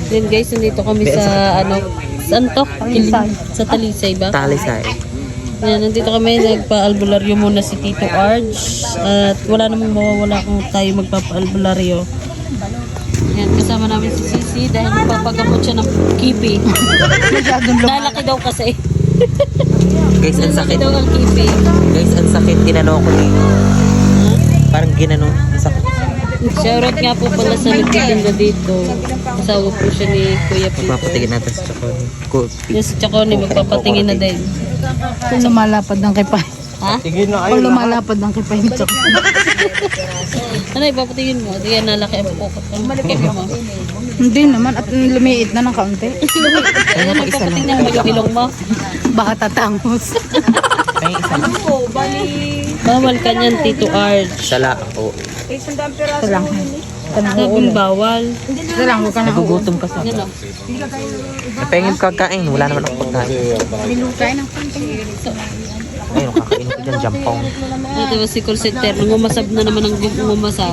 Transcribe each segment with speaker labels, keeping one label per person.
Speaker 1: Then guys, nandito kami sa saan to? Sa Talisay ba?
Speaker 2: Talisay.
Speaker 1: Yan, nandito kami, nagpa-albularyo muna si Tito Arj. At wala namang mawawala kung tayo magpapa-albularyo. Yan, kasama namin si Sisi dahil magpapagamot siya ng kipi. Lalaki daw kasi.
Speaker 2: Guys, ang
Speaker 1: Lalaki
Speaker 2: sakit.
Speaker 1: daw ang kipi.
Speaker 2: Guys, ang sakit. Ginano ko dito. Parang ginano. Sakit.
Speaker 1: Shoutout nga po pala sa nagtitinda dito. Asawa po siya ni Kuya Peter.
Speaker 2: Papatigin natin sa Chacon. Cool.
Speaker 1: Yung si Chaconi, magpapatingin na din.
Speaker 3: Kung lumalapad ng kipay.
Speaker 1: Ha?
Speaker 3: Kung lumalapad ng kipay nito.
Speaker 1: Ano, ipapatingin mo? Di yan nalaki ang pukot ng kipi mo.
Speaker 3: Hindi naman. At lumiit na ng kaunti.
Speaker 1: Ano, magpapatingin mo yung ilong mo?
Speaker 3: Baka tatangos.
Speaker 2: Ay, isa lang.
Speaker 1: Bawal ka niyan, Tito Arj.
Speaker 2: Sala ako.
Speaker 3: Ito lang.
Speaker 1: Sabing bawal.
Speaker 3: Ito lang. Huwag ka na uot.
Speaker 2: Nagugutom kasi.
Speaker 1: Yan o.
Speaker 2: Napengin kakain. Wala naman ako pagkain.
Speaker 3: Binukay ng konti.
Speaker 2: Ayun, kakainin ko dyan. Jampong.
Speaker 1: Ito ba si call center? Nangumasab na naman ang ngumasab.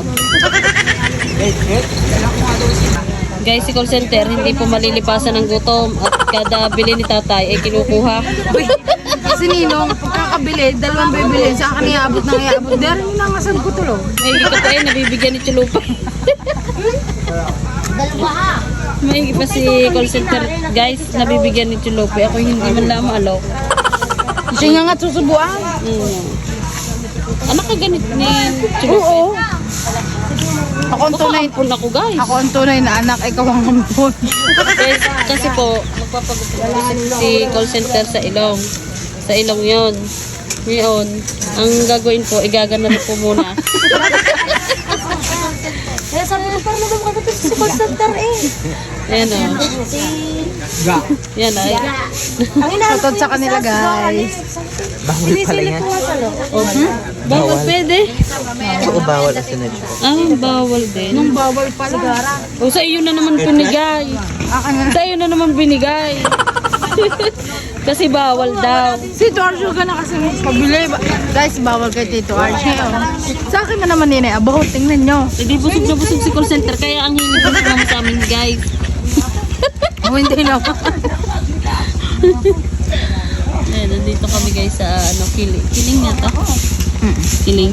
Speaker 1: Guys, si call center, hindi po malilipasan ng gutom. At kada bili ni tatay ay kinukuha.
Speaker 3: Si Ninong, pagkakabili, dalawang bibili. Sa akin iabot ng iabot. Dahil yung nangasag ko tulo.
Speaker 1: May ka pa nabibigyan ni Chulupa. May pa si call center, guys, nabibigyan ni Chulupa. Ako hindi man lang maalaw.
Speaker 3: Siya nga susubuan.
Speaker 1: Anak ka ganit ni Chulupa.
Speaker 3: Oo. Ako ang tunay.
Speaker 1: Pun ako, guys.
Speaker 3: Ako ang tunay na anak, ikaw ang hampon.
Speaker 1: Guys, kasi po, magpapagutom po si call center sa ilong. Sa ilong yon. Ngayon, ang gagawin po, igagana na po muna.
Speaker 4: Kaya sabi ko parang naman kagatin sa call center eh.
Speaker 1: Ayan o. Yan ay.
Speaker 3: Tutod sa kanila, guys.
Speaker 2: Bawal pala yan.
Speaker 1: Bawal pwede.
Speaker 2: Oo, bawal as in
Speaker 1: Bawal din.
Speaker 3: Nung bawal pala.
Speaker 1: O sa iyo na naman binigay. Sa iyo na naman binigay. Kasi bawal daw.
Speaker 3: Si Tito Arjo ka na kasi pabili. Guys, bawal kay Tito Arjo. Sa akin na naman nina, abaho, tingnan nyo.
Speaker 1: Hindi busog na busog si call center. Kaya ang hilig ko naman sa amin, guys.
Speaker 3: Oh, hindi na.
Speaker 1: Ayan, nandito kami guys sa Kiling nga to. Kiling.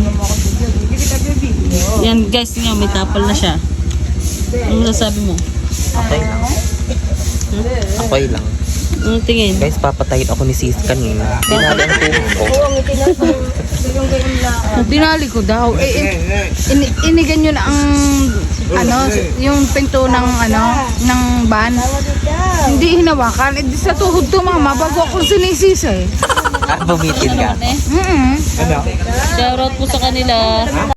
Speaker 1: Yan guys, nga may tapal na siya. Ano nasabi mo?
Speaker 2: Okay lang. Okay lang.
Speaker 1: Ano tingin?
Speaker 2: Guys, papatayin ako ni Sis kanina. Dinali ang tuhod ko.
Speaker 3: Dinali ko daw. Inigan nyo na ang yung pinto ng ng van. Hindi hinawakan. Di sa tuhod to, mama, bago ako sinisisa eh.
Speaker 2: Ah, bumitin ka.
Speaker 1: Shoutout po sa kanila.